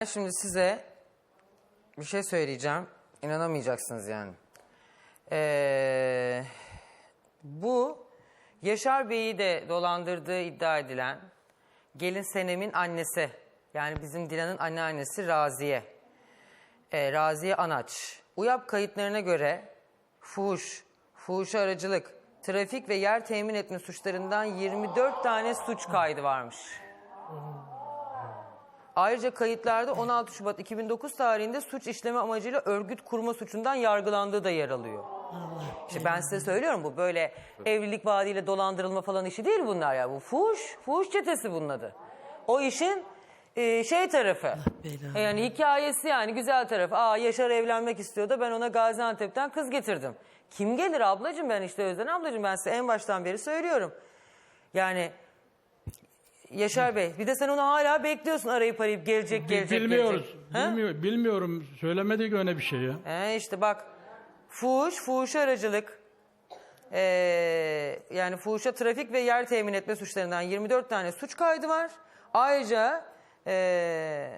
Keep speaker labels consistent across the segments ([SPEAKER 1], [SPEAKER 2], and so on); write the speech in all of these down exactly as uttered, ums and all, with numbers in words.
[SPEAKER 1] Şimdi size bir şey söyleyeceğim. İnanamayacaksınız yani. Ee, bu Yaşar Bey'i de dolandırdığı iddia edilen gelin Senem'in annesi. Yani bizim Dilan'ın anneannesi Raziye. Ee, Raziye Anaç. UYAP kayıtlarına göre fuhuş, fuhuşa aracılık, trafik ve yer temin etme suçlarından yirmi dört tane suç kaydı varmış. Ayrıca kayıtlarda on altı Şubat iki bin dokuz tarihinde suç işleme amacıyla örgüt kurma suçundan yargılandığı da yer alıyor. İşte ben size söylüyorum, bu böyle evlilik vaadiyle dolandırılma falan işi değil bunlar ya. Bu fuhuş, fuhuş çetesi bunun adı. O işin e, şey tarafı. Yani hikayesi, yani güzel tarafı. Aa, Yaşar evlenmek istiyordu, ben ona Gaziantep'ten kız getirdim. Kim gelir ablacığım, ben işte Özden ablacığım, ben size en baştan beri söylüyorum. Yani Yaşar Bey, bir de sen onu hala bekliyorsun, arayıp arayıp gelecek gelecek
[SPEAKER 2] Bilmiyoruz.
[SPEAKER 1] gelecek.
[SPEAKER 2] Bilmiyor, bilmiyorum. Söylemedik öyle bir şey ya.
[SPEAKER 1] He işte bak, fuhuş, fuhuşa aracılık, ee, yani fuhuşa trafik ve yer temin etme suçlarından yirmi dört tane suç kaydı var. Ayrıca ee,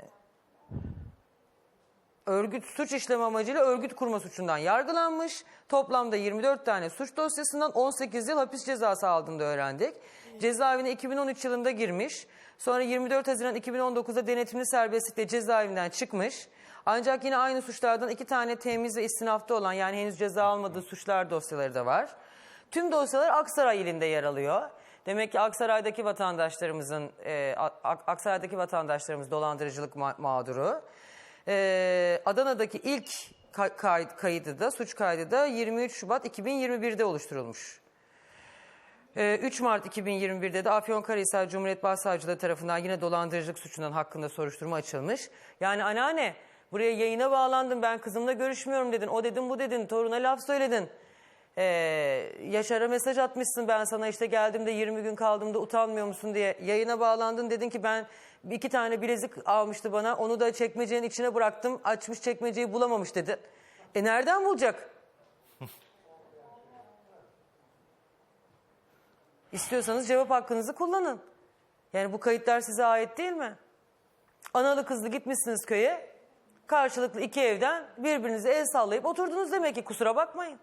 [SPEAKER 1] örgüt suç işleme amacıyla örgüt kurma suçundan yargılanmış. Toplamda yirmi dört tane suç dosyasından on sekiz yıl hapis cezası aldığını da öğrendik. Cezaevine iki bin on üç yılında girmiş. Sonra yirmi dört Haziran iki bin on dokuzda denetimli serbestlikle cezaevinden çıkmış. Ancak yine aynı suçlardan iki tane temiz ve istinafta olan, yani henüz ceza almadığı suçlar dosyaları da var. Tüm dosyalar Aksaray ilinde yer alıyor. Demek ki Aksaray'daki vatandaşlarımızın, e, Aksaray'daki vatandaşlarımız dolandırıcılık ma mağduru. E, Adana'daki ilk kay kaydı da, suç kaydı da yirmi üç Şubat iki bin yirmi birde oluşturulmuş. üç Mart iki bin yirmi birde de Afyonkarahisar Cumhuriyet Başsavcılığı tarafından yine dolandırıcılık suçundan hakkında soruşturma açılmış. Yani anneanne, buraya yayına bağlandım, ben kızımla görüşmüyorum dedin, o dedin bu dedin, toruna laf söyledin. Ee, Yaşar'a mesaj atmışsın, ben sana işte geldiğimde yirmi gün kaldığımda utanmıyor musun diye yayına bağlandın, dedin ki ben iki tane bilezik almıştı bana, onu da çekmecenin içine bıraktım, açmış çekmeceyi bulamamış dedi. E nereden bulacak? İstiyorsanız cevap hakkınızı kullanın. Yani bu kayıtlar size ait değil mi? Analı kızlı gitmişsiniz köye, karşılıklı iki evden birbirinize el sallayıp oturdunuz demek ki, kusura bakmayın.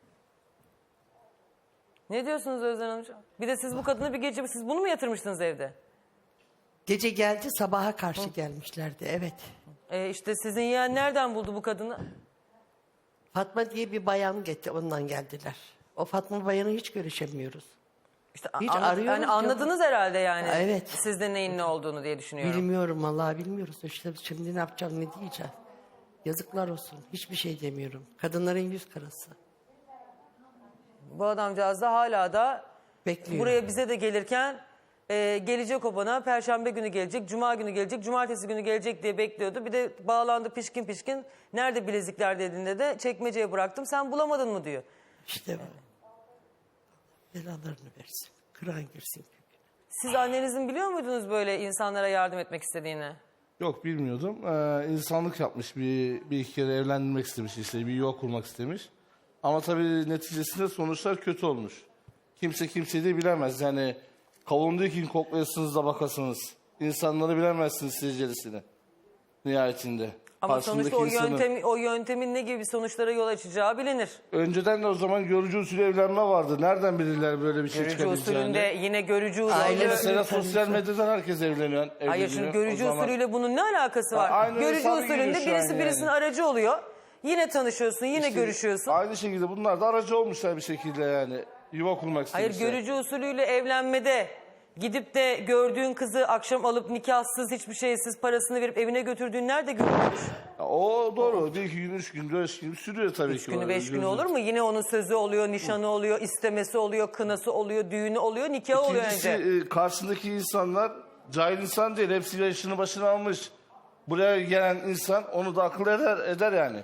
[SPEAKER 1] Ne diyorsunuz Özden Hanımcığım? Bir de siz bu kadını bir gece, siz bunu mu yatırmıştınız evde?
[SPEAKER 3] Gece geldi, sabaha karşı Hı. gelmişlerdi, evet.
[SPEAKER 1] E işte sizin yeğen nereden buldu bu kadını?
[SPEAKER 3] Fatma diye bir bayan getti, ondan geldiler. O Fatma bayanı hiç görüşemiyoruz.
[SPEAKER 1] İşte
[SPEAKER 3] hiç
[SPEAKER 1] anla,
[SPEAKER 3] arıyoruz.
[SPEAKER 1] Yani anladınız yok. Herhalde yani.
[SPEAKER 3] Ha, evet.
[SPEAKER 1] Sizde neyin ne olduğunu diye düşünüyorum.
[SPEAKER 3] Bilmiyorum vallahi, bilmiyoruz. İşte şimdi ne yapacağım, ne diyeceğim. Yazıklar olsun. Hiçbir şey demiyorum. Kadınların yüz karası.
[SPEAKER 1] Bu adamcağız da hala da
[SPEAKER 3] bekliyor. Buraya
[SPEAKER 1] bize de gelirken e, gelecek o bana, Perşembe günü gelecek, Cuma günü gelecek, Cumartesi günü gelecek diye bekliyordu. Bir de bağlandı pişkin pişkin. Nerede bilezikler dediğinde de çekmeceye bıraktım, sen bulamadın mı diyor.
[SPEAKER 3] İşte bu. Belalarını versin. Kıran girsin.
[SPEAKER 1] Siz annenizin biliyor muydunuz böyle insanlara yardım etmek istediğini?
[SPEAKER 4] Yok, bilmiyordum. Ee, insanlık yapmış, bir, bir iki kere evlendirmek istemiş, işte bir yuva kurmak istemiş. Ama tabii neticesinde sonuçlar kötü olmuş. Kimse kimseyi de bilemez. Yani kavunduğu kim koklayasınız da bakasınız. İnsanları bilemezsiniz secerisini nihayetinde.
[SPEAKER 1] Ama sonuçta o,
[SPEAKER 4] insanı...
[SPEAKER 1] yöntem, o yöntemin ne gibi sonuçlara yol açacağı bilinir.
[SPEAKER 4] Önceden de o zaman görücü usulü evlenme vardı. Nereden bilirler böyle bir şey
[SPEAKER 1] görücü
[SPEAKER 4] çıkabileceğini?
[SPEAKER 1] Görücü usulünde yine görücü usulü.
[SPEAKER 4] Aile mesela sosyal medyadan herkes evleniyor. evleniyor.
[SPEAKER 1] Hayır, şimdi görücü usulüyle bunun ne alakası var?
[SPEAKER 4] Aynı
[SPEAKER 1] görücü usulünde birisi
[SPEAKER 4] yani.
[SPEAKER 1] birisinin aracı oluyor. Yine tanışıyorsun, yine
[SPEAKER 4] işte
[SPEAKER 1] görüşüyorsun.
[SPEAKER 4] Aynı şekilde bunlar da aracı olmuşlar bir şekilde yani. Yuva kurmak istemişler.
[SPEAKER 1] Hayır, görücü usulüyle evlenmede gidip de gördüğün kızı akşam alıp nikahsız, hiçbir şeysiz parasını verip evine götürdüğün nerede görülmüş?
[SPEAKER 4] O doğru. Bir iki gün, üç gün, beş gün sürüyor tabii
[SPEAKER 1] üç
[SPEAKER 4] ki.
[SPEAKER 1] Üç günü, beş günü
[SPEAKER 4] gözüm.
[SPEAKER 1] olur mu? Yine onun sözü oluyor, nişanı oluyor, istemesi oluyor, kınası oluyor, düğünü oluyor, nikahı oluyor
[SPEAKER 4] İkincisi,
[SPEAKER 1] önce.
[SPEAKER 4] e, karşısındaki insanlar cahil insan değil. Hepsi yaşını başına almış. Buraya gelen insan onu da akıl eder, eder yani.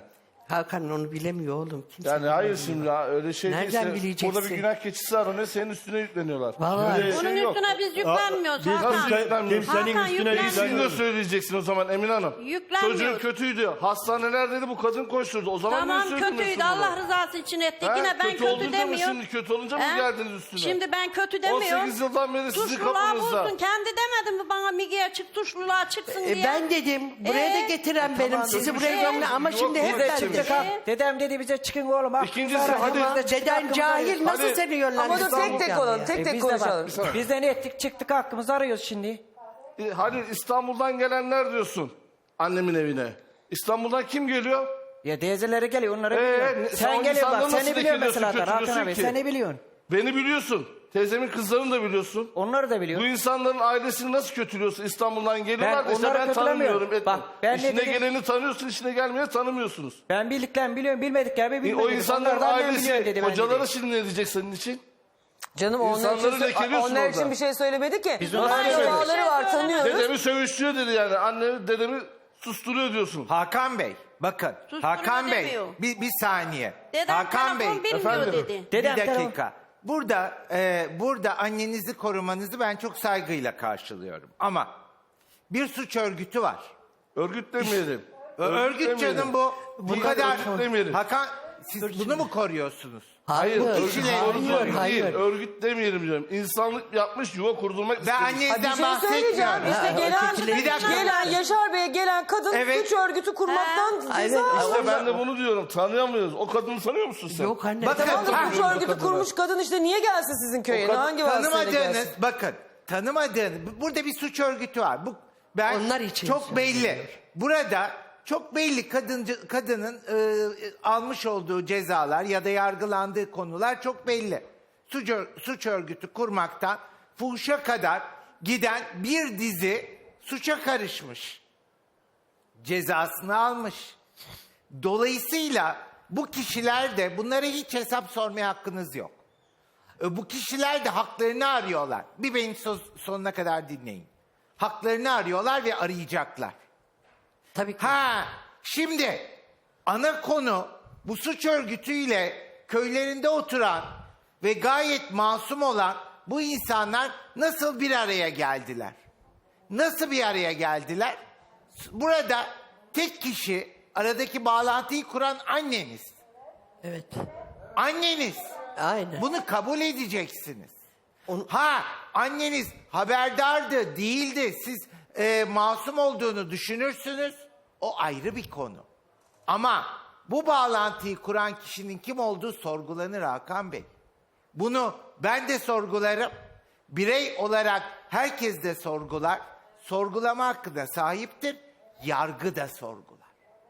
[SPEAKER 3] Hakan onu bilemiyor oğlum. Kimse
[SPEAKER 4] Yani hayır
[SPEAKER 3] bilemiyor.
[SPEAKER 4] şimdi ya, öyle şey
[SPEAKER 3] Nereden
[SPEAKER 4] değilse
[SPEAKER 3] bileceksin?
[SPEAKER 4] burada bir günah keçisi aranıyor, senin üstüne yükleniyorlar.
[SPEAKER 3] Vallahi.
[SPEAKER 4] Öyle
[SPEAKER 5] Onun
[SPEAKER 4] şey yok.
[SPEAKER 5] üstüne biz yüklenmiyoruz
[SPEAKER 2] Biz
[SPEAKER 5] Hakan.
[SPEAKER 4] Nasıl yüklenmiyoruz?
[SPEAKER 2] kimsenin
[SPEAKER 5] Hakan
[SPEAKER 2] üstüne
[SPEAKER 5] yüklenmiyor.
[SPEAKER 4] Siz de
[SPEAKER 2] yüklenmiyoruz.
[SPEAKER 4] söyleyeceksin o zaman Emin Hanım.
[SPEAKER 5] Yüklenmiyoruz.
[SPEAKER 4] Çocuğun kötüydü. Hastanelerdeydi, bu kadın koşturdu. O zaman
[SPEAKER 5] Tamam
[SPEAKER 4] niye söylemiyorsun
[SPEAKER 5] kötüydü
[SPEAKER 4] bunu?
[SPEAKER 5] Allah rızası için ettik.
[SPEAKER 4] He,
[SPEAKER 5] Yine ben
[SPEAKER 4] kötü
[SPEAKER 5] kötü,
[SPEAKER 4] olunca mı
[SPEAKER 5] demiyorum.
[SPEAKER 4] şimdi, kötü olunca mı
[SPEAKER 5] He?
[SPEAKER 4] geldiniz üstüne?
[SPEAKER 5] Şimdi ben kötü
[SPEAKER 4] on
[SPEAKER 5] demiyorum.
[SPEAKER 4] sekiz yıldan beri sizin
[SPEAKER 5] Suçluluğa
[SPEAKER 4] kapınızda.
[SPEAKER 5] bulsun. Kendi demedin mi bana Mige'ye çık suçluluğa çıksın
[SPEAKER 3] E,
[SPEAKER 5] diye.
[SPEAKER 3] ben dedim. Buraya da
[SPEAKER 5] Ee?
[SPEAKER 3] getiren benim.
[SPEAKER 4] tamam,
[SPEAKER 3] Sizi
[SPEAKER 4] kötü
[SPEAKER 3] buraya
[SPEAKER 4] bir şey
[SPEAKER 3] gömle
[SPEAKER 4] yok.
[SPEAKER 3] ama
[SPEAKER 4] Yok,
[SPEAKER 3] şimdi
[SPEAKER 4] yok,
[SPEAKER 3] hep
[SPEAKER 4] yok,
[SPEAKER 3] ben
[SPEAKER 4] yok.
[SPEAKER 3] dedim.
[SPEAKER 5] Çıktık ha.
[SPEAKER 6] Dedem dedi bize çıkın oğlum. hakkımızı
[SPEAKER 4] İkincisi,
[SPEAKER 6] arayın.
[SPEAKER 4] hadi.
[SPEAKER 6] Biz de çıktık,
[SPEAKER 3] Deden
[SPEAKER 6] hakkımızı
[SPEAKER 3] cahil
[SPEAKER 6] arıyoruz.
[SPEAKER 3] nasıl
[SPEAKER 4] Hadi.
[SPEAKER 3] seni yönlendirdi?
[SPEAKER 1] Ama dur tek tek olalım. Tek
[SPEAKER 6] E,
[SPEAKER 1] tek
[SPEAKER 6] biz de bak,
[SPEAKER 1] konuşalım.
[SPEAKER 6] Biz de ne ettik çıktık hakkımızı arıyoruz şimdi.
[SPEAKER 4] E, Hadi İstanbul'dan gelenler diyorsun annemin evine. İstanbul'dan kim geliyor?
[SPEAKER 6] Ya teyzeleri geliyor onları
[SPEAKER 4] Ee,
[SPEAKER 6] biliyorum.
[SPEAKER 4] sen
[SPEAKER 6] Sen
[SPEAKER 4] o
[SPEAKER 6] geliyorsun
[SPEAKER 4] insanları
[SPEAKER 6] bak seni
[SPEAKER 4] nasıl
[SPEAKER 6] biliyorum
[SPEAKER 4] dikiliyorsun,
[SPEAKER 6] mesela Hakan
[SPEAKER 4] kötülüyorsun
[SPEAKER 6] abi.
[SPEAKER 4] ki?
[SPEAKER 6] Seni biliyorsun.
[SPEAKER 4] Beni biliyorsun. Teyzemin kızlarını da biliyorsun.
[SPEAKER 6] Onları da
[SPEAKER 4] Bu
[SPEAKER 6] biliyorsun.
[SPEAKER 4] insanların ailesini nasıl kötülüyorsun? İstanbul'dan geliyorlar
[SPEAKER 6] Ben
[SPEAKER 4] da işte
[SPEAKER 6] onları
[SPEAKER 4] ben
[SPEAKER 6] kötülemiyorum.
[SPEAKER 4] tanımıyorum. Etmem.
[SPEAKER 6] Bak, ben ne
[SPEAKER 4] İşine
[SPEAKER 6] dedim?
[SPEAKER 4] geleni tanıyorsun, işine gelmeyeni tanımıyorsunuz.
[SPEAKER 6] Ben bildiklerimi biliyorum bilmediklerimi
[SPEAKER 4] E,
[SPEAKER 6] bilmedim.
[SPEAKER 4] o insanların
[SPEAKER 6] Onlardan ben biliyorum
[SPEAKER 4] ailesi,
[SPEAKER 6] dedi ben
[SPEAKER 4] hocaları
[SPEAKER 6] dedi.
[SPEAKER 4] şimdi ne diyecek senin için?
[SPEAKER 1] Canım onlar
[SPEAKER 4] İnsanları
[SPEAKER 1] için,
[SPEAKER 4] lekeliyorsun
[SPEAKER 1] onlar
[SPEAKER 4] orada.
[SPEAKER 1] için bir şey söylemedi ki.
[SPEAKER 6] Biz
[SPEAKER 1] Nasıl
[SPEAKER 6] onlara
[SPEAKER 1] akrabaları
[SPEAKER 5] söylüyoruz.
[SPEAKER 1] var tanıyoruz.
[SPEAKER 4] Dedemi sövüştürüyor dedi yani. Anne dedemi susturuyor diyorsun.
[SPEAKER 7] Hakan Bey, bakın.
[SPEAKER 5] Susturma
[SPEAKER 7] Hakan Bey,
[SPEAKER 5] demiyor.
[SPEAKER 7] bir, bir saniye.
[SPEAKER 5] Dedem
[SPEAKER 7] Hakan Bey,
[SPEAKER 5] telefon bilmiyor
[SPEAKER 4] efendim?
[SPEAKER 5] dedi.
[SPEAKER 7] bir
[SPEAKER 6] Dedem telefon-
[SPEAKER 7] dakika. Burada, e, burada annenizi korumanızı ben çok saygıyla karşılıyorum. Ama bir suç örgütü var.
[SPEAKER 4] Örgüt demeyelim.
[SPEAKER 7] Örgüt canım bu. Bu
[SPEAKER 4] Değil,
[SPEAKER 7] kadar.
[SPEAKER 4] örgüt demeyelim.
[SPEAKER 7] Hakan, siz bunu mu koruyorsunuz?
[SPEAKER 4] Hayır,
[SPEAKER 3] Hayır,
[SPEAKER 4] örgüt
[SPEAKER 7] kişiler-
[SPEAKER 4] korumak
[SPEAKER 3] hayır,
[SPEAKER 4] değil.
[SPEAKER 3] hayır.
[SPEAKER 4] Örgüt demeyelim diyorum. İnsanlık yapmış, yuva kurdurmak
[SPEAKER 7] Ben
[SPEAKER 4] istemiş.
[SPEAKER 1] Ha, bir
[SPEAKER 7] annenizden
[SPEAKER 1] şey söyleyeceğim.
[SPEAKER 7] bahsetmiyorum.
[SPEAKER 1] İşte
[SPEAKER 3] Ha,
[SPEAKER 1] gelen,
[SPEAKER 3] ötekileri-
[SPEAKER 7] Bir dakika.
[SPEAKER 1] gelen Yaşar Bey'e gelen kadın
[SPEAKER 7] Evet.
[SPEAKER 1] suç örgütü kurmaktan
[SPEAKER 3] Evet,
[SPEAKER 1] ceza almış.
[SPEAKER 4] İşte ben de bunu diyorum. Tanıyamıyoruz. O kadını tanıyor musun sen?
[SPEAKER 3] Yok anne.
[SPEAKER 7] Bakın,
[SPEAKER 1] Tamam da
[SPEAKER 7] ha,
[SPEAKER 1] suç örgütü kurmuş kadın işte niye gelsin sizin köye?
[SPEAKER 4] O kadın-
[SPEAKER 1] Hangi vasıtayla
[SPEAKER 7] Tanımadığınız,
[SPEAKER 1] gelsin?
[SPEAKER 7] bakın tanımadığınız, burada bir suç örgütü var. Bu ben
[SPEAKER 3] Onlar için
[SPEAKER 7] çok
[SPEAKER 3] söylüyorum.
[SPEAKER 7] belli. Burada çok belli kadıncı, kadının e, almış olduğu cezalar ya da yargılandığı konular çok belli. Suç, ör- suç örgütü kurmaktan fuhuşa kadar giden bir dizi suça karışmış. Cezasını almış. Dolayısıyla bu kişiler de bunlara hiç hesap sormaya hakkınız yok. E, Bu kişiler de haklarını arıyorlar. Bir beni so- sonuna kadar dinleyin. Haklarını arıyorlar ve arayacaklar.
[SPEAKER 3] Tabii ki.
[SPEAKER 7] Ha, şimdi ana konu bu suç örgütüyle köylerinde oturan ve gayet masum olan bu insanlar nasıl bir araya geldiler? Nasıl bir araya geldiler? Burada tek kişi aradaki bağlantıyı kuran anneniz.
[SPEAKER 3] Evet.
[SPEAKER 7] Anneniz.
[SPEAKER 3] Aynen.
[SPEAKER 7] Bunu kabul edeceksiniz.
[SPEAKER 3] Onu-
[SPEAKER 7] Ha, anneniz haberdardı, değildi. Siz e, masum olduğunu düşünürsünüz. O ayrı bir konu. Ama bu bağlantıyı kuran kişinin kim olduğu sorgulanır Hakan Bey. Bunu ben de sorgularım. Birey olarak herkes de sorgular. Sorgulama hakkı da sahiptir. Yargı da sorgular.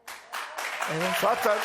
[SPEAKER 4] Zaten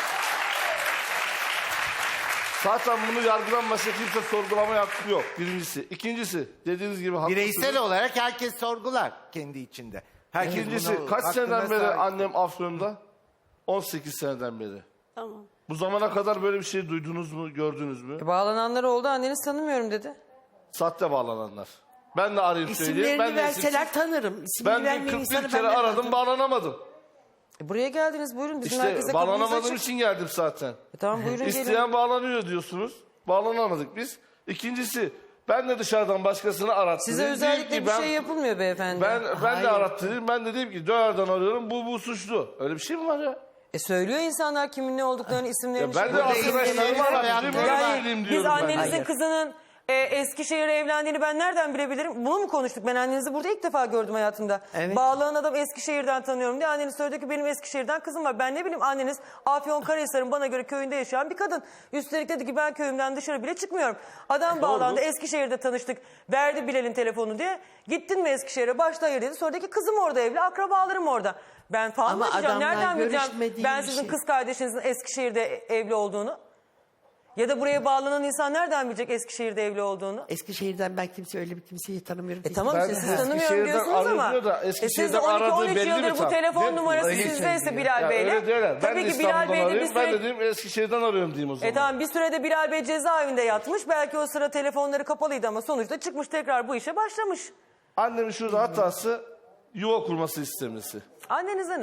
[SPEAKER 4] Zaten bunu yargıdan başka kimse sorgulama hakkı yok. Birincisi. İkincisi dediğiniz gibi haklısınız.
[SPEAKER 7] Bireysel olarak herkes sorgular kendi içinde. Herkes
[SPEAKER 4] İkincisi
[SPEAKER 7] bunu
[SPEAKER 4] kaç
[SPEAKER 7] hakkında
[SPEAKER 4] seneden beri
[SPEAKER 7] sahip.
[SPEAKER 4] annem Afyon'da? on sekiz seneden beri.
[SPEAKER 5] Tamam.
[SPEAKER 4] Bu zamana kadar böyle bir şey duydunuz mu, gördünüz mü?
[SPEAKER 1] Bağlananlar oldu anneniz tanımıyorum dedi.
[SPEAKER 4] Sahte bağlananlar. Ben de arayıp söyleyeyim.
[SPEAKER 3] İsimlerini
[SPEAKER 4] Ben de
[SPEAKER 3] verseler
[SPEAKER 4] isimsiz-
[SPEAKER 3] tanırım. İsmini
[SPEAKER 4] Ben de
[SPEAKER 3] vermeyen
[SPEAKER 4] kırk
[SPEAKER 3] insanı
[SPEAKER 4] bir kere
[SPEAKER 3] ben de
[SPEAKER 4] aradım,
[SPEAKER 3] tanırım.
[SPEAKER 4] bağlanamadım.
[SPEAKER 1] E, buraya geldiniz buyurun bizim herkese
[SPEAKER 4] İşte
[SPEAKER 1] kapımız
[SPEAKER 4] bağlanamadığım
[SPEAKER 1] açık.
[SPEAKER 4] için geldim zaten.
[SPEAKER 1] E, tamam buyurun gelin.
[SPEAKER 4] İsteyen bağlanıyor diyorsunuz. Bağlanamadık biz. İkincisi ben de dışarıdan başkasını arattım.
[SPEAKER 1] Size özellikle bir şey yapılmıyor beyefendi.
[SPEAKER 4] Ben, ben
[SPEAKER 3] Hayır.
[SPEAKER 4] de arattırdım. Ben de dedim ki dönerden arıyorum. Bu bu suçlu. Öyle bir şey mi var ya?
[SPEAKER 1] E söylüyor insanlar kimin ne olduklarını, isimlerini.
[SPEAKER 4] Ya ben
[SPEAKER 1] şey-
[SPEAKER 4] de
[SPEAKER 7] Burada
[SPEAKER 4] arkadaşlarımı
[SPEAKER 7] isimleri
[SPEAKER 4] arattırdım.
[SPEAKER 7] hayatları
[SPEAKER 4] Öyle
[SPEAKER 7] var.
[SPEAKER 4] söyleyeyim
[SPEAKER 1] Biz
[SPEAKER 4] diyorum ben.
[SPEAKER 1] annenizin
[SPEAKER 3] Hayır.
[SPEAKER 1] kızının e, Eskişehir'e evlendiğini ben nereden bilebilirim? Bunu mu konuştuk? Ben annenizi burada ilk defa gördüm hayatımda.
[SPEAKER 3] Evet.
[SPEAKER 1] Bağlanan adam Eskişehir'den tanıyorum diye anneniz söyledi ki benim Eskişehir'den kızım var. Ben ne bileyim anneniz Afyonkarahisar'ın bana göre köyünde yaşayan bir kadın. Üstelik dedi ki ben köyümden dışarı bile çıkmıyorum. Adam bağlandı Eskişehir'de tanıştık. Verdi Bilal'in telefonu diye. Gittin mi Eskişehir'e? Başta hayır dedi. Sonra dedi ki kızım orada evli, akrabalarım orada. Ben falan
[SPEAKER 3] Ama
[SPEAKER 1] mı diyeceğim?
[SPEAKER 3] adamlar
[SPEAKER 1] Nereden bileceğim
[SPEAKER 3] görüşmediği
[SPEAKER 1] ben
[SPEAKER 3] bir
[SPEAKER 1] sizin
[SPEAKER 3] şey.
[SPEAKER 1] kız kardeşinizin Eskişehir'de evli olduğunu? Ya da buraya bağlanan insan nereden bilecek Eskişehir'de evli olduğunu?
[SPEAKER 3] Eskişehir'den ben kimse öyle bir kimseyi tanımıyorum.
[SPEAKER 1] E tamam işte
[SPEAKER 4] Ben
[SPEAKER 1] siz tanımıyorum
[SPEAKER 4] Eskişehir'den
[SPEAKER 1] diyorsunuz ama.
[SPEAKER 4] arıyor da
[SPEAKER 1] E siz
[SPEAKER 4] Eskişehir'den
[SPEAKER 1] on iki on
[SPEAKER 4] aradığı
[SPEAKER 1] üç
[SPEAKER 4] belli
[SPEAKER 1] yıldır
[SPEAKER 4] mi
[SPEAKER 1] bu
[SPEAKER 4] tam?
[SPEAKER 1] telefon
[SPEAKER 4] Değil mi?
[SPEAKER 1] numarası
[SPEAKER 7] Öyle
[SPEAKER 1] sizdeyse
[SPEAKER 7] söylüyor.
[SPEAKER 1] Bilal
[SPEAKER 4] Ya
[SPEAKER 1] Bey'le.
[SPEAKER 4] öyle diyorlar. Ben
[SPEAKER 1] Tabii
[SPEAKER 4] de
[SPEAKER 1] ki Bilal
[SPEAKER 4] İstanbul'dan
[SPEAKER 1] Bey de bir
[SPEAKER 4] arıyorum. Ben
[SPEAKER 1] süre...
[SPEAKER 4] de dedim Eskişehir'den arıyorum diyeyim o zaman.
[SPEAKER 1] E tamam bir sürede Bilal Bey cezaevinde yatmış. Belki o sıra telefonları kapalıydı ama sonuçta çıkmış tekrar bu işe başlamış.
[SPEAKER 4] Annemin şurada hatası yuva kurması istemesi.
[SPEAKER 1] Annenize ne?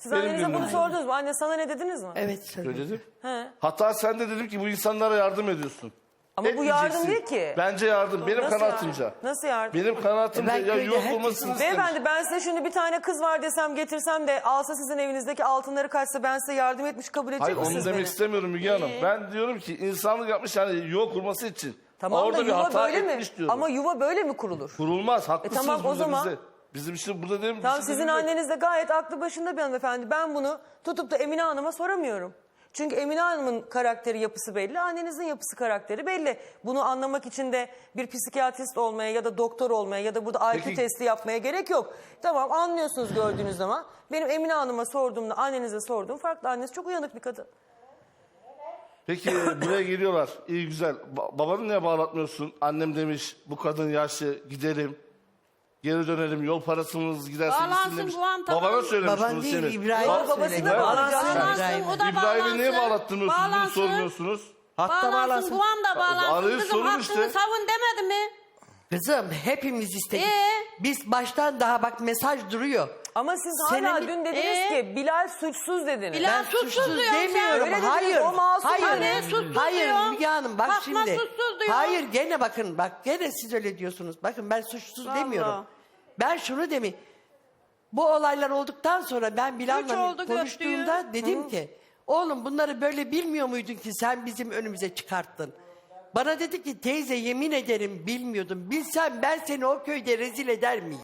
[SPEAKER 1] Siz
[SPEAKER 4] Benim
[SPEAKER 1] annenize bunu
[SPEAKER 4] gönlüm.
[SPEAKER 1] sordunuz mu? Anne sana ne dediniz mi?
[SPEAKER 3] Evet söyledim.
[SPEAKER 4] Söyledim.
[SPEAKER 1] He.
[SPEAKER 4] Hatta sen de dedim ki bu insanlara yardım ediyorsun.
[SPEAKER 1] Ama bu yardım
[SPEAKER 4] Etmeyeceksin.
[SPEAKER 1] değil ki.
[SPEAKER 4] Bence yardım. Benim
[SPEAKER 1] Nasıl
[SPEAKER 4] kanaatimce.
[SPEAKER 1] yardım? Nasıl yardım?
[SPEAKER 4] Benim kanaatimce
[SPEAKER 3] Ben
[SPEAKER 4] ya
[SPEAKER 3] köyde
[SPEAKER 4] yok
[SPEAKER 3] herkesin-
[SPEAKER 4] olmasını istemiş.
[SPEAKER 1] Beyefendi ben size şimdi bir tane kız var desem getirsem de alsa sizin evinizdeki altınları kaçsa ben size yardım etmiş kabul edecek
[SPEAKER 4] Hayır onu
[SPEAKER 1] misiniz
[SPEAKER 4] demek
[SPEAKER 1] beni?
[SPEAKER 4] istemiyorum Müge Hanım. Ben diyorum ki insanlık yapmış yani yuva kurması için.
[SPEAKER 1] Tamam
[SPEAKER 4] Orada
[SPEAKER 1] da
[SPEAKER 4] bir
[SPEAKER 1] yuva
[SPEAKER 4] hata
[SPEAKER 1] böyle mi?
[SPEAKER 4] etmiş diyorum.
[SPEAKER 1] Ama yuva böyle mi kurulur?
[SPEAKER 4] Kurulmaz. Haklısınız
[SPEAKER 1] tamam, o
[SPEAKER 4] burada
[SPEAKER 1] zaman-
[SPEAKER 4] bize. Bizim işte burada değil mi?
[SPEAKER 1] Tamam
[SPEAKER 4] Bir şey
[SPEAKER 1] sizin
[SPEAKER 4] değil mi?
[SPEAKER 1] anneniz de gayet aklı başında bir hanımefendi. Ben bunu tutup da Emine Hanım'a soramıyorum. Çünkü Emine Hanım'ın karakteri yapısı belli, annenizin yapısı karakteri belli. Bunu anlamak için de bir psikiyatrist olmaya ya da doktor olmaya ya da burada I Q
[SPEAKER 4] Peki-
[SPEAKER 1] testi yapmaya gerek yok. Tamam anlıyorsunuz gördüğünüz zaman. Benim Emine Hanım'a sorduğumda annenize sorduğum farklı. Annesi çok uyanık bir kadın.
[SPEAKER 4] Peki buraya geliyorlar. İyi güzel. Ba- babanı niye bağlatmıyorsun? Annem demiş bu kadın yaşlı gidelim. Geri dönelim yol parasımız giderse
[SPEAKER 5] Bağlansın
[SPEAKER 4] gitsin demiş.
[SPEAKER 5] bu an, tamam.
[SPEAKER 4] Babana söylemiş
[SPEAKER 3] Baban
[SPEAKER 4] bunu
[SPEAKER 3] değil,
[SPEAKER 4] senin.
[SPEAKER 3] İbrahim
[SPEAKER 4] Ba-
[SPEAKER 1] babasına
[SPEAKER 3] söyledi.
[SPEAKER 1] bağlansın.
[SPEAKER 5] Bağlansın, o da
[SPEAKER 4] İbrahim'i niye
[SPEAKER 5] bağlansın.
[SPEAKER 4] bağlattırmıyorsunuz bunu
[SPEAKER 5] Bağlansın.
[SPEAKER 4] sormuyorsunuz?
[SPEAKER 6] Hatta
[SPEAKER 5] Bağlansın,
[SPEAKER 6] bağlansın.
[SPEAKER 5] bu anda bağlansın.
[SPEAKER 4] Arayı
[SPEAKER 5] Kızım
[SPEAKER 4] sorun
[SPEAKER 5] hakkını
[SPEAKER 4] işte.
[SPEAKER 5] savun demedi mi?
[SPEAKER 3] Kızım hepimiz istedik.
[SPEAKER 5] Ee?
[SPEAKER 3] Biz baştan daha bak mesaj duruyor.
[SPEAKER 1] Ama siz
[SPEAKER 3] Senin
[SPEAKER 1] hala
[SPEAKER 3] bir-
[SPEAKER 1] dün dediniz
[SPEAKER 5] Ee?
[SPEAKER 1] ki Bilal suçsuz dediniz.
[SPEAKER 5] Bilal
[SPEAKER 3] Ben
[SPEAKER 5] suçsuz
[SPEAKER 3] suçsuz
[SPEAKER 5] diyorum sen.
[SPEAKER 3] demiyorum.
[SPEAKER 1] Öyle dediniz,
[SPEAKER 3] Hayır.
[SPEAKER 1] o masum.
[SPEAKER 3] Hayır.
[SPEAKER 5] Anne suçsuz
[SPEAKER 3] Hayır
[SPEAKER 5] diyor.
[SPEAKER 3] Müge Hanım bak
[SPEAKER 5] Fatma
[SPEAKER 3] şimdi.
[SPEAKER 5] suçsuz diyor.
[SPEAKER 3] Hayır gene bakın bak gene siz öyle diyorsunuz. Bakın ben suçsuz
[SPEAKER 5] Vallahi.
[SPEAKER 3] demiyorum. Ben şunu demi. Bu olaylar olduktan sonra ben
[SPEAKER 5] Üç
[SPEAKER 3] Bilal'la
[SPEAKER 5] oldu
[SPEAKER 3] konuştuğumda
[SPEAKER 5] gördüğü.
[SPEAKER 3] dedim ki oğlum bunları böyle bilmiyor muydun ki sen bizim önümüze çıkarttın. Bana dedi ki teyze yemin ederim bilmiyordum. Bilsem ben seni o köyde rezil eder miyim?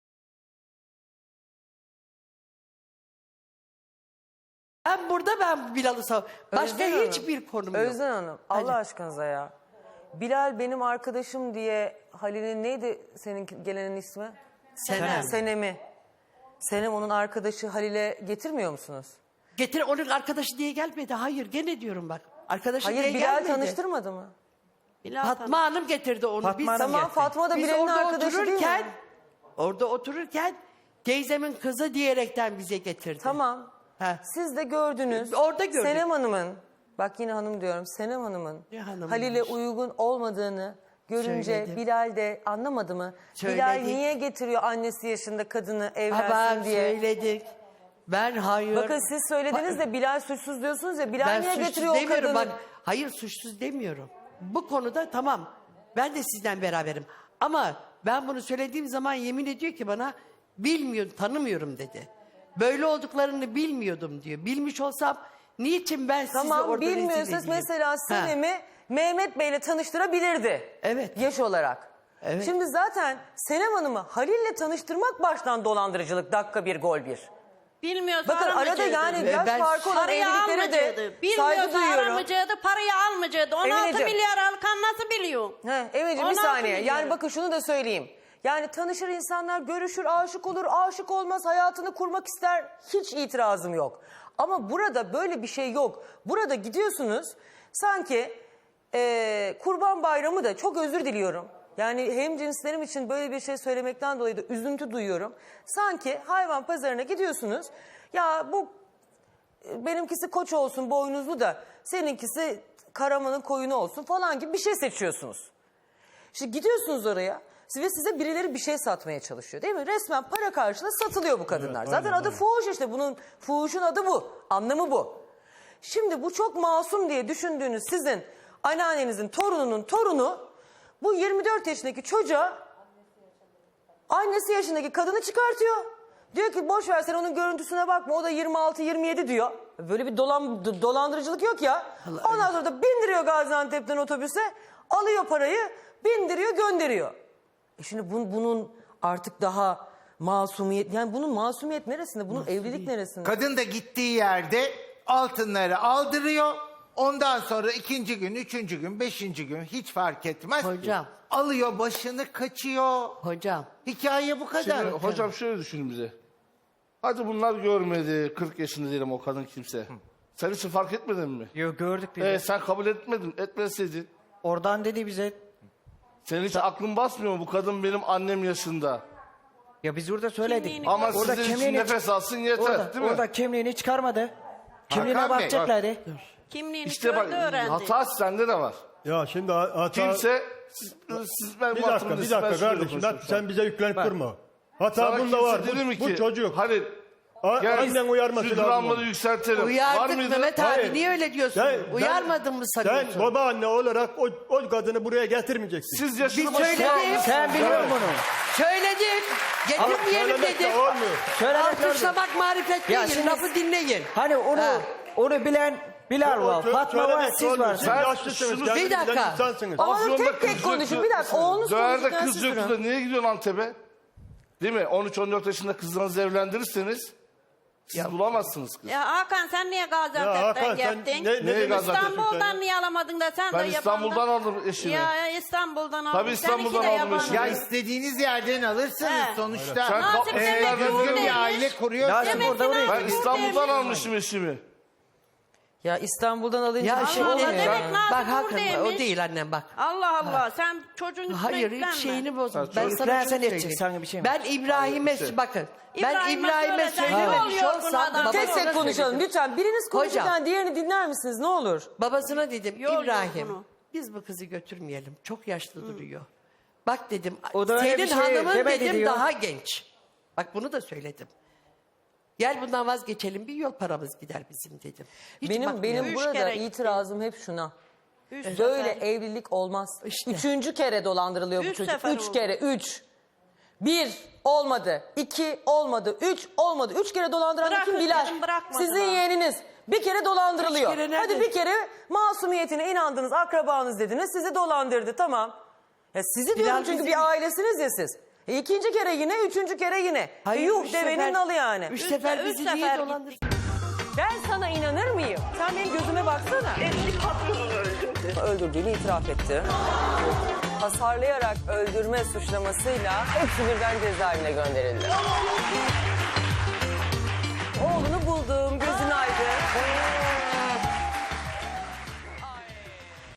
[SPEAKER 3] Ben burada ben Bilal'ı sav... Başka
[SPEAKER 1] Özden Hanım,
[SPEAKER 3] hiçbir konum yok.
[SPEAKER 1] Özden Hanım Allah
[SPEAKER 3] Hadi.
[SPEAKER 1] aşkınıza ya. Bilal benim arkadaşım diye Halil'in neydi senin gelenin ismi?
[SPEAKER 3] Senem.
[SPEAKER 1] Senem'i. Senem onun arkadaşı Halil'e getirmiyor musunuz?
[SPEAKER 3] Getir onun arkadaşı diye gelmedi. Hayır gene diyorum bak. Arkadaşı diye
[SPEAKER 1] Hayır Bilal
[SPEAKER 3] gelmedi.
[SPEAKER 1] tanıştırmadı mı?
[SPEAKER 3] Fatma Hanım getirdi onu.
[SPEAKER 6] Fatma
[SPEAKER 3] Biz,
[SPEAKER 6] Hanım
[SPEAKER 1] Tamam
[SPEAKER 6] getirdi.
[SPEAKER 1] Fatma da
[SPEAKER 3] biz
[SPEAKER 1] Bilal'in
[SPEAKER 3] orada
[SPEAKER 1] arkadaşı değil
[SPEAKER 3] otururken
[SPEAKER 1] mi?
[SPEAKER 3] orada otururken teyzemin kızı diyerekten bize getirdi.
[SPEAKER 1] Tamam.
[SPEAKER 3] Heh.
[SPEAKER 1] Siz de gördünüz.
[SPEAKER 3] Orada gördük.
[SPEAKER 1] Senem Hanım'ın, bak yine hanım diyorum, Senem Hanım'ın
[SPEAKER 3] Ne hanımıymış?
[SPEAKER 1] Halil'e uygun olmadığını görünce
[SPEAKER 3] Söyledim.
[SPEAKER 1] Bilal de anlamadı mı?
[SPEAKER 3] Söyledik.
[SPEAKER 1] Bilal niye getiriyor annesi yaşında kadını evlensin
[SPEAKER 3] Ama
[SPEAKER 1] diye?
[SPEAKER 3] söyledik. Ben hayır.
[SPEAKER 1] Bakın siz söylediniz de Bilal suçsuz diyorsunuz ya. Bilal
[SPEAKER 3] ben
[SPEAKER 1] niye
[SPEAKER 3] suçsuz
[SPEAKER 1] getiriyor o
[SPEAKER 3] demiyorum.
[SPEAKER 1] kadını?
[SPEAKER 3] Bak, hayır suçsuz demiyorum. Bu konuda tamam. Ben de sizden beraberim. Ama ben bunu söylediğim zaman yemin ediyor ki bana bilmiyorum, tanımıyorum dedi. Böyle olduklarını bilmiyordum diyor. Bilmiş olsam niçin ben sizi
[SPEAKER 1] Tamam
[SPEAKER 3] orada rezil
[SPEAKER 1] bilmiyorsanız
[SPEAKER 3] edeyim?
[SPEAKER 1] mesela
[SPEAKER 3] Ha.
[SPEAKER 1] Senem'i Mehmet Bey'le tanıştırabilirdi.
[SPEAKER 3] Evet.
[SPEAKER 1] Yaş olarak.
[SPEAKER 3] Evet.
[SPEAKER 1] Şimdi zaten Senem Hanım'ı Halil'le tanıştırmak baştan dolandırıcılık dakika bir gol bir.
[SPEAKER 5] Bilmiyorsa
[SPEAKER 1] Bakın arada
[SPEAKER 5] aramayacaktı.
[SPEAKER 1] yani
[SPEAKER 3] Ve
[SPEAKER 1] yaş
[SPEAKER 3] ben-
[SPEAKER 1] farkı olan
[SPEAKER 5] Parayı
[SPEAKER 1] evliliklere de
[SPEAKER 5] almayacaktı.
[SPEAKER 1] saygı
[SPEAKER 5] Bilmiyorsa
[SPEAKER 1] duyuyorum.
[SPEAKER 5] aramayacaktı, parayı almayacaktı. on altı
[SPEAKER 1] Emineciğim.
[SPEAKER 5] milyar alkan nasıl biliyor?
[SPEAKER 1] He, Emeciğim bir
[SPEAKER 5] on altı
[SPEAKER 1] saniye.
[SPEAKER 5] milyon.
[SPEAKER 1] Yani bakın şunu da söyleyeyim. Yani tanışır insanlar, görüşür, aşık olur, aşık olmaz, hayatını kurmak ister. Hiç itirazım yok. Ama burada böyle bir şey yok. Burada gidiyorsunuz sanki eee, Kurban Bayramı da çok özür diliyorum. Yani hem cinslerim için böyle bir şey söylemekten dolayı da üzüntü duyuyorum. Sanki hayvan pazarına gidiyorsunuz. Ya bu e, benimkisi koç olsun boynuzlu da seninkisi karamanın koyunu olsun falan gibi bir şey seçiyorsunuz. Şimdi gidiyorsunuz oraya ve size birileri bir şey satmaya çalışıyor değil mi? Resmen para karşılığı satılıyor bu kadınlar. Zaten adı fuhuş işte bunun fuhuşun adı bu. Anlamı bu. Şimdi bu çok masum diye düşündüğünüz sizin anneannenizin torununun torunu bu yirmi dört yaşındaki çocuğa annesi yaşındaki kadını çıkartıyor. Diyor ki boş ver sen onun görüntüsüne bakma o da yirmi altı yirmi yedi diyor. Böyle bir dolan, d- dolandırıcılık yok ya. Ondan sonra da bindiriyor Gaziantep'ten otobüse alıyor parayı bindiriyor gönderiyor. E şimdi bun, bunun artık daha masumiyet yani bunun masumiyet neresinde bunun evlilik neresinde?
[SPEAKER 7] Kadın da gittiği yerde altınları aldırıyor. Ondan sonra ikinci gün, üçüncü gün, beşinci gün hiç fark etmez.
[SPEAKER 3] Hocam.
[SPEAKER 7] Alıyor başını kaçıyor.
[SPEAKER 3] Hocam.
[SPEAKER 7] Hikaye bu kadar.
[SPEAKER 4] Şimdi hocam şöyle düşünün bize. Hadi bunlar görmedi. kırk yaşında diyelim o kadın kimse. Sen hiç fark etmedin mi?
[SPEAKER 6] Yok gördük biz.
[SPEAKER 4] Ee, sen kabul etmedin. Etmeseydin.
[SPEAKER 6] Oradan dedi bize.
[SPEAKER 4] Senin hiç aklın basmıyor mu? Bu kadın benim annem yaşında.
[SPEAKER 6] Ya biz orada söyledik.
[SPEAKER 5] Kimliğini
[SPEAKER 4] Ama
[SPEAKER 6] Orada
[SPEAKER 4] sizin için
[SPEAKER 6] kimliğini-
[SPEAKER 4] nefes alsın yeter
[SPEAKER 6] Orada,
[SPEAKER 4] değil mi?
[SPEAKER 6] orada kimliğini çıkarmadı. Kimliğine
[SPEAKER 7] Hakan Bey,
[SPEAKER 6] bakacaklardı.
[SPEAKER 5] Kimliğini
[SPEAKER 4] İşte bak
[SPEAKER 5] gördü öğrendi.
[SPEAKER 4] hata sende de var.
[SPEAKER 8] Ya şimdi hata...
[SPEAKER 4] Kimse siz, siz ben
[SPEAKER 8] Bir
[SPEAKER 4] bu
[SPEAKER 8] dakika,
[SPEAKER 4] hatırımda
[SPEAKER 8] bir
[SPEAKER 4] siz- ben
[SPEAKER 8] dakika
[SPEAKER 4] şöyle
[SPEAKER 8] kardeşim.
[SPEAKER 4] konuşuyorum
[SPEAKER 8] Bak,
[SPEAKER 4] şu an.
[SPEAKER 8] sen bize yüklenip
[SPEAKER 6] Bak.
[SPEAKER 8] durma. Hata
[SPEAKER 4] Sana
[SPEAKER 8] bunda
[SPEAKER 4] kimse
[SPEAKER 8] var.
[SPEAKER 4] dedi
[SPEAKER 8] Bu,
[SPEAKER 4] mi
[SPEAKER 8] bu
[SPEAKER 4] ki,
[SPEAKER 8] çocuk.
[SPEAKER 4] Halil
[SPEAKER 8] A-
[SPEAKER 4] Gel,
[SPEAKER 8] annen uyarması
[SPEAKER 4] şu
[SPEAKER 8] lazım
[SPEAKER 4] gramları
[SPEAKER 8] onu.
[SPEAKER 4] yükseltelim. Var
[SPEAKER 3] Uyardık
[SPEAKER 4] mıydı?
[SPEAKER 3] Mehmet abi.
[SPEAKER 8] Hayır.
[SPEAKER 3] Niye öyle diyorsun?
[SPEAKER 8] Sen-
[SPEAKER 3] Uyarmadın mı sanıyorsun?
[SPEAKER 8] Sen babaanne olarak o, o kadını buraya getirmeyeceksin.
[SPEAKER 4] Siz yaşını
[SPEAKER 3] Biz
[SPEAKER 4] başına
[SPEAKER 3] söyledik.
[SPEAKER 4] almışsınız.
[SPEAKER 6] Sen biliyor bunu.
[SPEAKER 3] Söyledik. Getirmeyelim
[SPEAKER 8] Söylemek de
[SPEAKER 3] dedim.
[SPEAKER 8] olmuyor.
[SPEAKER 6] Söylemek lazım.
[SPEAKER 3] Alkışlamak marifet
[SPEAKER 6] Ya
[SPEAKER 3] değil.
[SPEAKER 6] şimdi-
[SPEAKER 3] Lafı dinleyin.
[SPEAKER 6] Hani onu
[SPEAKER 3] Ha.
[SPEAKER 6] onu bilen Bilal var,
[SPEAKER 8] Sö-
[SPEAKER 6] Fatma var,
[SPEAKER 8] söylemek
[SPEAKER 6] siz
[SPEAKER 8] olmuyor.
[SPEAKER 6] varsınız.
[SPEAKER 8] Siz
[SPEAKER 4] Ben
[SPEAKER 8] yaşlısınız.
[SPEAKER 4] şunu-
[SPEAKER 8] kendiniz
[SPEAKER 3] Bir dakika.
[SPEAKER 8] bilen insansınız.
[SPEAKER 1] Ama
[SPEAKER 4] Afyon'da
[SPEAKER 1] tek tek
[SPEAKER 4] kız
[SPEAKER 1] konuşun.
[SPEAKER 4] yoktu.
[SPEAKER 1] Bir dakika, oğlunuz
[SPEAKER 4] Döğer'de
[SPEAKER 1] konuşurken
[SPEAKER 4] kız
[SPEAKER 1] siz
[SPEAKER 4] yoktu
[SPEAKER 1] durun.
[SPEAKER 4] da niye gidiyorsun Antep'e? Değil mi? on üç on dört yaşında kızlarınızı evlendirirseniz siz bulamazsınız kız.
[SPEAKER 5] Ya Hakan sen niye
[SPEAKER 8] Ya
[SPEAKER 5] Gaziantep'ten
[SPEAKER 8] Hakan sen
[SPEAKER 5] gittin?
[SPEAKER 8] ne, ne
[SPEAKER 4] Neye
[SPEAKER 8] demek
[SPEAKER 4] Gaziantep'ten
[SPEAKER 8] istiyorsun
[SPEAKER 5] İstanbul'dan
[SPEAKER 8] sen?
[SPEAKER 5] niye alamadın da sen
[SPEAKER 4] Ben
[SPEAKER 5] de
[SPEAKER 4] İstanbul'dan
[SPEAKER 5] yabancı-
[SPEAKER 4] aldım eşimi.
[SPEAKER 5] Ya İstanbul'dan aldın.
[SPEAKER 4] Tabii İstanbul'dan
[SPEAKER 5] Seninki de
[SPEAKER 4] aldım
[SPEAKER 5] yabancı.
[SPEAKER 4] eşimi.
[SPEAKER 7] Ya istediğiniz yerden alırsınız
[SPEAKER 5] He.
[SPEAKER 7] sonuçta.
[SPEAKER 4] Sen
[SPEAKER 5] Nasip
[SPEAKER 4] ka-
[SPEAKER 5] demek
[SPEAKER 7] Eğer
[SPEAKER 5] ki
[SPEAKER 7] düzgün
[SPEAKER 5] buradaymış.
[SPEAKER 7] bir aile kuruyorsanız.
[SPEAKER 6] Lazım
[SPEAKER 5] Demek
[SPEAKER 6] orada
[SPEAKER 5] ki
[SPEAKER 6] oraya.
[SPEAKER 4] Ben
[SPEAKER 5] Nasip
[SPEAKER 4] İstanbul'dan
[SPEAKER 5] buradaymış.
[SPEAKER 4] almışım eşimi.
[SPEAKER 1] Ya İstanbul'dan alınca
[SPEAKER 3] Ya
[SPEAKER 1] bir şey
[SPEAKER 3] şimdi
[SPEAKER 1] olmuyor.
[SPEAKER 5] demek
[SPEAKER 1] yani.
[SPEAKER 5] Nazım
[SPEAKER 3] bak Hakan
[SPEAKER 5] buradaymış.
[SPEAKER 3] o değil annem bak.
[SPEAKER 5] Allah Allah sen çocuğun üstüne
[SPEAKER 3] Hayır
[SPEAKER 5] yüklenme.
[SPEAKER 3] hiç şeyini bozma.
[SPEAKER 4] Ha,
[SPEAKER 3] Ben
[SPEAKER 4] çocuk-
[SPEAKER 3] sana
[SPEAKER 6] Yüklensen
[SPEAKER 3] şunu
[SPEAKER 6] edecek,
[SPEAKER 3] söyleyeyim.
[SPEAKER 6] sana bir şey mi?
[SPEAKER 3] Ben İbrahim'e bakın. Ben
[SPEAKER 5] İbrahim'e
[SPEAKER 3] İbrahim'e
[SPEAKER 5] söylesen ne
[SPEAKER 3] söylememiş
[SPEAKER 5] oluyor
[SPEAKER 3] olsam
[SPEAKER 5] buna da?
[SPEAKER 3] babasına
[SPEAKER 1] Tek tek konuşalım
[SPEAKER 3] söyledim.
[SPEAKER 1] lütfen. Biriniz konuşurken
[SPEAKER 3] Hocam.
[SPEAKER 1] diğerini dinler misiniz ne olur?
[SPEAKER 3] Babasına dedim
[SPEAKER 5] Yol yok
[SPEAKER 3] İbrahim
[SPEAKER 5] bunu.
[SPEAKER 3] biz bu kızı götürmeyelim. Çok yaşlı duruyor. Bak dedim
[SPEAKER 6] O da öyle
[SPEAKER 3] senin
[SPEAKER 6] bir şey
[SPEAKER 3] hanımın
[SPEAKER 6] demedi
[SPEAKER 3] dedim
[SPEAKER 6] diyor.
[SPEAKER 3] daha genç. Bak bunu da söyledim. Gel bundan vazgeçelim bir yol paramız gider bizim dedim. Hiç
[SPEAKER 1] Benim
[SPEAKER 3] bakmıyorum.
[SPEAKER 1] benim
[SPEAKER 5] Üç
[SPEAKER 1] burada
[SPEAKER 5] kere gitti.
[SPEAKER 1] itirazım hep şuna.
[SPEAKER 5] Üç
[SPEAKER 1] Böyle
[SPEAKER 5] sefer.
[SPEAKER 1] evlilik olmaz.
[SPEAKER 3] İşte.
[SPEAKER 1] Üçüncü kere dolandırılıyor bu
[SPEAKER 5] Üç
[SPEAKER 1] çocuk.
[SPEAKER 5] sefer
[SPEAKER 1] Üç
[SPEAKER 5] oldu.
[SPEAKER 1] kere, üç. Bir olmadı, iki olmadı, üç olmadı. Üç kere dolandıran da
[SPEAKER 5] Bırakın
[SPEAKER 1] kim? Bilal.
[SPEAKER 5] dedim, bırakmadılar.
[SPEAKER 1] Sizin yeğeniniz. Bir kere dolandırılıyor.
[SPEAKER 3] Üç kere nerede?
[SPEAKER 1] Hadi bir kere masumiyetine inandınız, akrabanız dediniz. Sizi dolandırdı, tamam. Ya sizi diyorum çünkü
[SPEAKER 3] bizim-
[SPEAKER 1] bir ailesiniz ya siz. E ikinci kere yine, üçüncü kere yine.
[SPEAKER 3] Hayır,
[SPEAKER 1] e yuh
[SPEAKER 3] üç
[SPEAKER 1] devenin
[SPEAKER 3] sefer-
[SPEAKER 1] nalı yani.
[SPEAKER 3] Üç
[SPEAKER 5] Üç
[SPEAKER 3] sefer
[SPEAKER 5] se- üç
[SPEAKER 3] bizi
[SPEAKER 5] sefer
[SPEAKER 3] niye
[SPEAKER 5] gitti.
[SPEAKER 3] dolandırdın?
[SPEAKER 1] Ben sana inanır mıyım? Sen benim gözüme baksana.
[SPEAKER 9] Eski patronunu öldürdü.
[SPEAKER 1] Öldürdüğünü itiraf etti. Hasarlayarak öldürme suçlamasıyla hepsi birden cezaevine gönderildi. Oğlunu buldum.